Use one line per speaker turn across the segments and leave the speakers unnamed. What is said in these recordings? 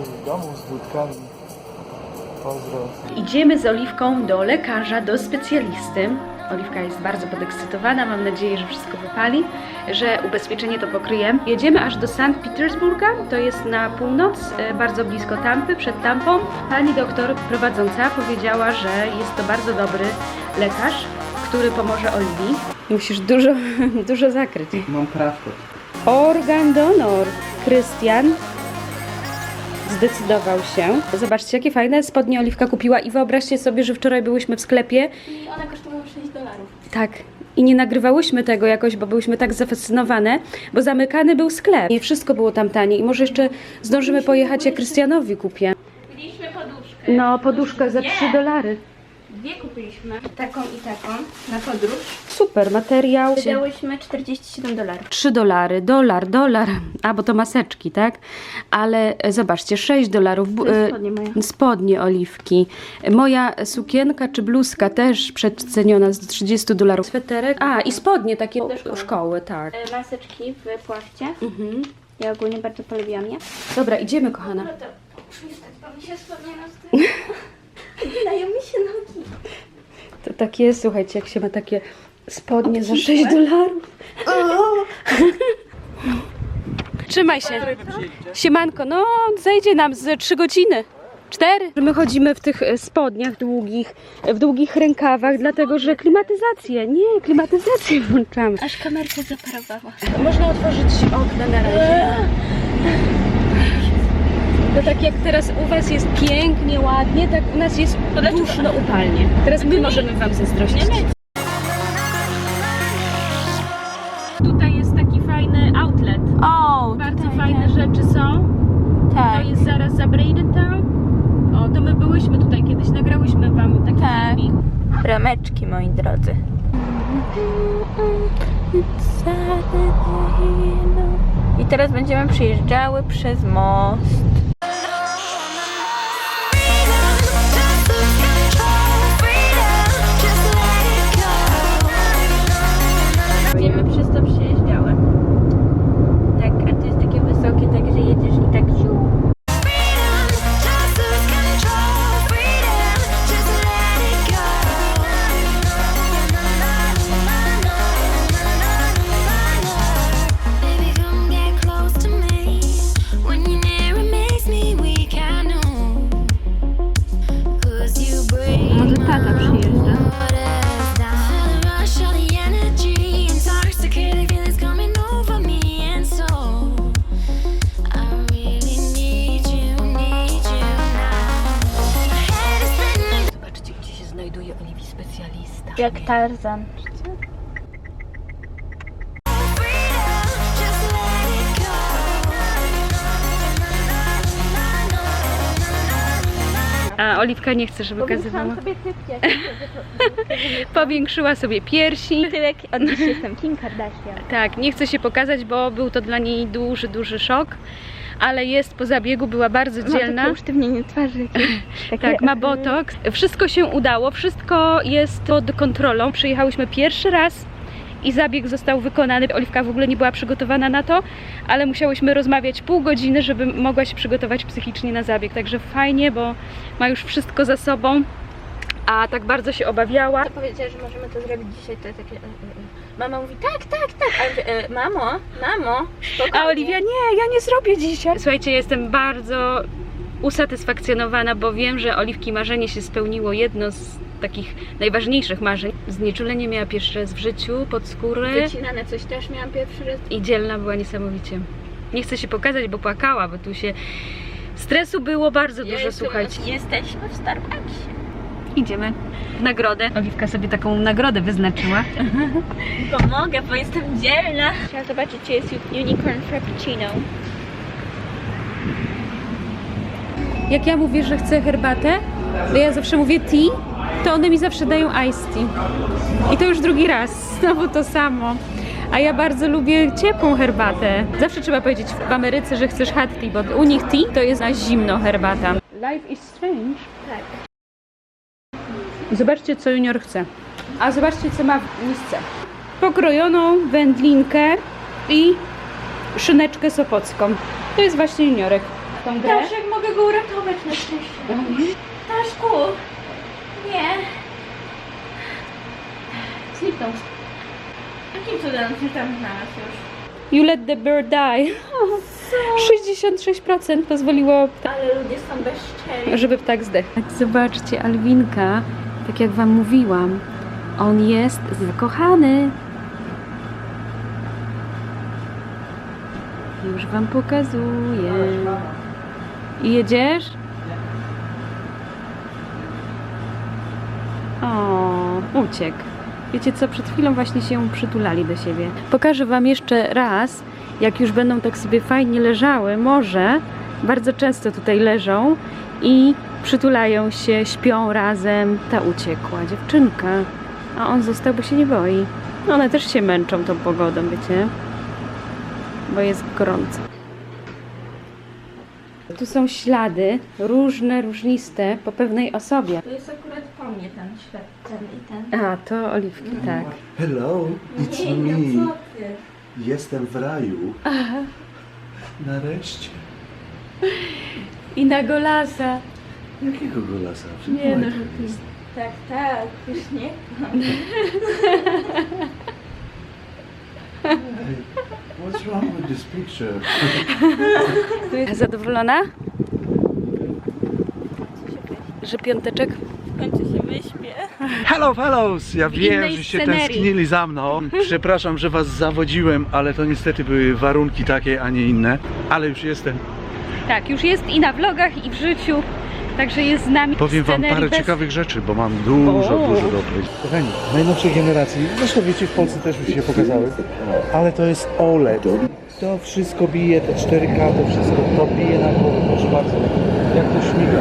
w domu z budkami. Pozdro.
Idziemy z Oliwką do lekarza, do specjalisty. Oliwka jest bardzo podekscytowana, mam nadzieję, że wszystko wypali, że ubezpieczenie to pokryje. Jedziemy aż do Sankt Petersburga, to jest na północ, bardzo blisko Tampy, przed Tampą. Pani doktor prowadząca powiedziała, że jest to bardzo dobry lekarz, który pomoże Oliwii. Musisz dużo zakryć.
Mam krawkę.
Organ donor. Krystian zdecydował się. Zobaczcie, jakie fajne spodnie Oliwka kupiła i wyobraźcie sobie, że wczoraj byłyśmy w sklepie.
I one kosztują $6.
Tak. I nie nagrywałyśmy tego jakoś, bo byłyśmy tak zafascynowane, bo zamykany był sklep i wszystko było tam tanie. I może jeszcze zdążymy pojechać, jak Krystianowi kupię.
Kupiliśmy poduszkę.
No, poduszka za $3.
Dwie kupiliśmy. Taką i taką na podróż.
Super, materiał.
Wydałyśmy $47.
$3, dolar. A, bo to maseczki, tak? Ale zobaczcie, $6.
Spodnie moje.
Spodnie Oliwki. Moja sukienka czy bluzka też przeceniona z $30. Sweterek. A, i spodnie takie do szkoły, tak.
Maseczki w płachcie.
Mhm.
Ja ogólnie bardzo polubiłam je.
Dobra, idziemy, kochana.
No to przystać, bo mi się spodnie nastają. Dają mi się nogi.
To tak jest, słuchajcie, jak się ma takie spodnie za $6. Trzymaj się. Siemanko, no zejdzie nam z 3 godziny. 4. My chodzimy w tych spodniach długich, w długich rękawach, dlatego że klimatyzację włączamy.
Aż kamerka zaparowała.
Można otworzyć okna na razie. To tak jak teraz u was jest pięknie, ładnie, tak u nas jest duszno, upalnie. Teraz my możemy wam zazdrościć. Tutaj jest taki fajny outlet.
O,
Bardzo fajne rzeczy są.
tak.
To jest zaraz za Bradentown. O, to my byłyśmy tutaj kiedyś, nagrałyśmy wam taki filmik.
Brameczki, moi drodzy. I teraz będziemy przyjeżdżały przez most. Będziemy przez to przejeżdżały. Tak, a to jest takie wysokie, tak że jedziesz i tak ziu. Może tata przyjeżdża. Zobaczcie, gdzie się znajduje Oliwii specjalista. Jak Tarzan.
A Oliwka nie chce, żeby kazywała.
sobie typcie.
Powiększyła sobie piersi.
Tyłek, od dziś jestem Kim Kardashian.
Tak, nie chce się pokazać, bo był to dla niej duży szok. Ale jest po zabiegu, była bardzo dzielna.
Ma usztywnienie twarzy.
Tak, ma botoks. Wszystko się udało, wszystko jest pod kontrolą. Przyjechałyśmy pierwszy raz i zabieg został wykonany. Oliwka w ogóle nie była przygotowana na to, ale musiałyśmy rozmawiać pół godziny, żeby mogła się przygotować psychicznie na zabieg. Także fajnie, bo ma już wszystko za sobą, a tak bardzo się obawiała.
To powiedziała, że możemy to zrobić dzisiaj, to takie... Mama mówi tak. A mamo, spokojnie.
A Oliwia, nie, ja nie zrobię dzisiaj. Słuchajcie, jestem bardzo usatysfakcjonowana, bo wiem, że Oliwki marzenie się spełniło, jedno z takich najważniejszych marzeń. Znieczulenie miała pierwszy raz w życiu, pod skórę.
Wycinane coś też miałam pierwszy raz.
I dzielna była niesamowicie. Nie chcę się pokazać, bo płakała, bo tu się stresu było bardzo dużo, słuchajcie.
Jesteśmy w Starbucksie.
Idziemy w nagrodę. Oliwka sobie taką nagrodę wyznaczyła.
Pomogę, bo jestem dzielna. Trzeba zobaczyć, czy jest Unicorn Frappuccino.
Jak ja mówię, że chcę herbatę, to ja zawsze mówię tea, to one mi zawsze dają iced tea. I to już drugi raz, znowu to samo. A ja bardzo lubię ciepłą herbatę. Zawsze trzeba powiedzieć w Ameryce, że chcesz hot tea, bo u nich tea to jest na zimno herbata. Life is strange.
Tak.
Zobaczcie, co Junior chce. A zobaczcie, co ma w misce. Pokrojoną wędlinkę i szyneczkę sopocką. To jest właśnie Juniorek. tą grę?
Daszek, mogę go uratować na szczęście. Daszku! Nie.
Zniknął.
Jakim cudem się tam znalazł już?
You let the bird die. 66% pozwoliło,
Ale ludzie są bezczelni.
żeby ptak zdechł. Zobaczcie, Alwinka, tak jak wam mówiłam, on jest zakochany. Już wam pokazuję. I jedziesz? O, uciekł. Wiecie co, przed chwilą właśnie się przytulali do siebie. Pokażę wam jeszcze raz, jak już będą tak sobie fajnie leżały, może bardzo często tutaj leżą i przytulają się, śpią razem. Ta uciekła dziewczynka, a on został, bo się nie boi. One też się męczą tą pogodą, wiecie, bo jest gorąco. Tu są ślady, różne, różniste, po pewnej osobie.
To jest akurat po mnie ten ślad, ten i ten.
A, to Oliwki, tak.
Hello, it's
Nie,
me.
no co ty?
Jestem w raju. Nareszcie.
I na golasa.
Jakiego golasa?
Nie, no,
Tak, tak, już nie.
Hey, what's wrong with this picture?
Zadowolona? Że piąteczek?
W końcu się wyśpię.
Hello, fellows! Ja wiem,
innej
że się
scenerii.
tęsknili za mną. Przepraszam, że was zawodziłem, ale to niestety były warunki takie, a nie inne. Ale już jestem.
Tak, już jest i na vlogach, i w życiu. Także jest z nami.
Powiem wam
scenerii
parę
bez-
ciekawych rzeczy, bo mam dużo
O.
do powiedzenia. Kochani, najnowszej generacji, zresztą wiecie, w Polsce też już się pokazały, ale to jest OLED. To wszystko bije, to 4K, to wszystko, to bije na głowę, proszę bardzo, jak to śmiga.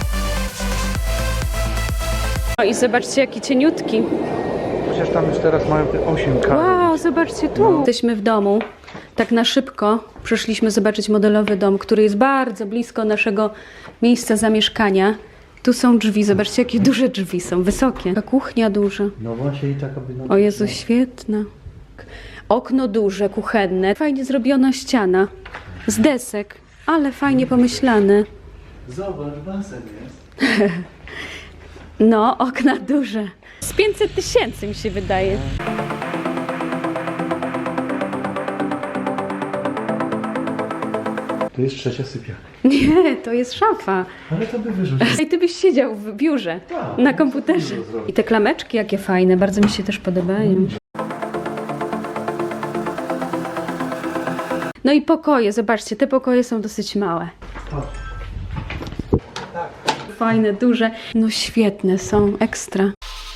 O, i zobaczcie, jaki cieniutki.
Chociaż tam już teraz mają te 8K.
Wow, zobaczcie tu. Jesteśmy w domu. Tak na szybko przyszliśmy zobaczyć modelowy dom, który jest bardzo blisko naszego miejsca zamieszkania. Tu są drzwi, zobaczcie, jakie duże drzwi są, wysokie. Ta kuchnia duża.
No właśnie i taka by...
O Jezu, świetna. Okno duże, kuchenne. Fajnie zrobiona ściana z desek, ale fajnie pomyślane.
Zobacz, basen jest.
No, okna duże. Z 500 000 mi się wydaje.
To jest trzecia sypialnia.
Nie, to jest szafa.
Ale to by wyrzucił.
I ty byś siedział w biurze,
Tak,
na
no,
komputerze.
co dużo zrobić.
I te klameczki jakie fajne, bardzo mi się też podobają. No i pokoje, zobaczcie, te pokoje są dosyć małe. Fajne, duże. No świetne są, ekstra.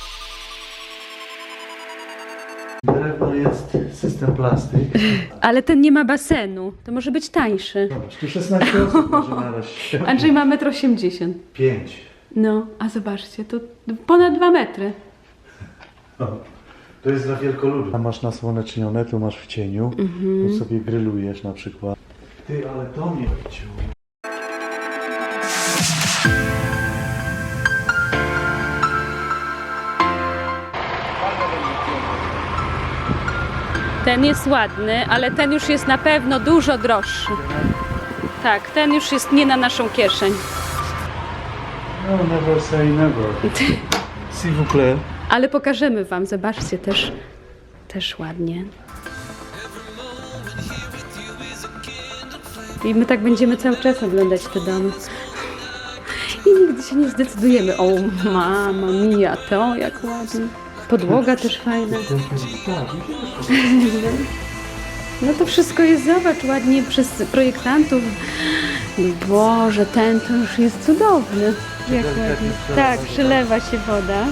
Drewno jest system plastyk.
Ale ten nie ma basenu, to może być tańszy.
Zobacz, tu 16 osób może naraz.
Andrzej ma 1,80 m.
5.
No, a zobaczcie, to ponad 2 metry.
To jest dla wielkoludów. Tam masz nasłonecznione, tu masz w cieniu. Tu sobie grillujesz na przykład. Ty, ale to mnie odcięło.
Ten jest ładny, ale ten już jest na pewno dużo droższy. Tak, ten już jest nie na naszą kieszeń.
No, never say never. S'il vous plaît.
Ale pokażemy wam, zobaczcie, też ładnie. I my tak będziemy cały czas oglądać te domy. I nigdy się nie zdecydujemy. O, mama mia, to jak ładnie. Podłoga też fajna. No to wszystko jest, zobacz, ładnie przez projektantów. No Boże, ten to już jest cudowny. Jak ładnie. Tak, przylewa się woda.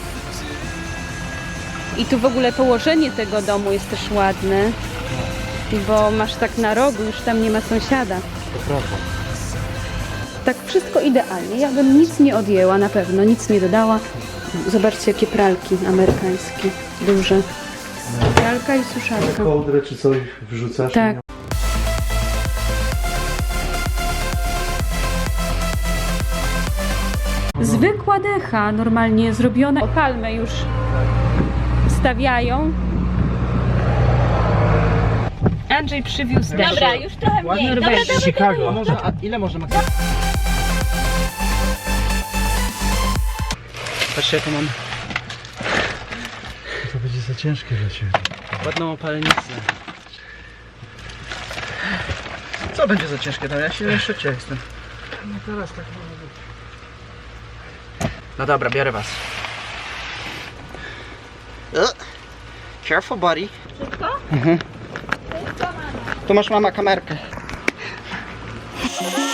I tu w ogóle położenie tego domu jest też ładne. Bo masz tak na rogu, już tam nie ma sąsiada.
To prawda.
Tak wszystko idealnie. Ja bym nic nie odjęła, na pewno, nic nie dodała. Zobaczcie, jakie pralki amerykańskie, duże. Pralka i suszarka.
Kołdrę czy coś wrzucasz?
Tak. Zwykła decha, normalnie zrobiona. O, palmę już stawiają. Andrzej przywiózł też.
Dobra, już trochę mniej. Dobra,
Norwegii.
dobra,
Chicago.
Może, a ile może maksymalnie?
Patrzcie jaką mam
To będzie za ciężkie dla Ciebie.
ładną opalennicę.
Co będzie za ciężkie tam? Ja się jeszcze cię jestem.
No teraz tak może być.
No dobra, biorę was. Careful buddy.
Wszystko?
Tu masz mama kamerkę.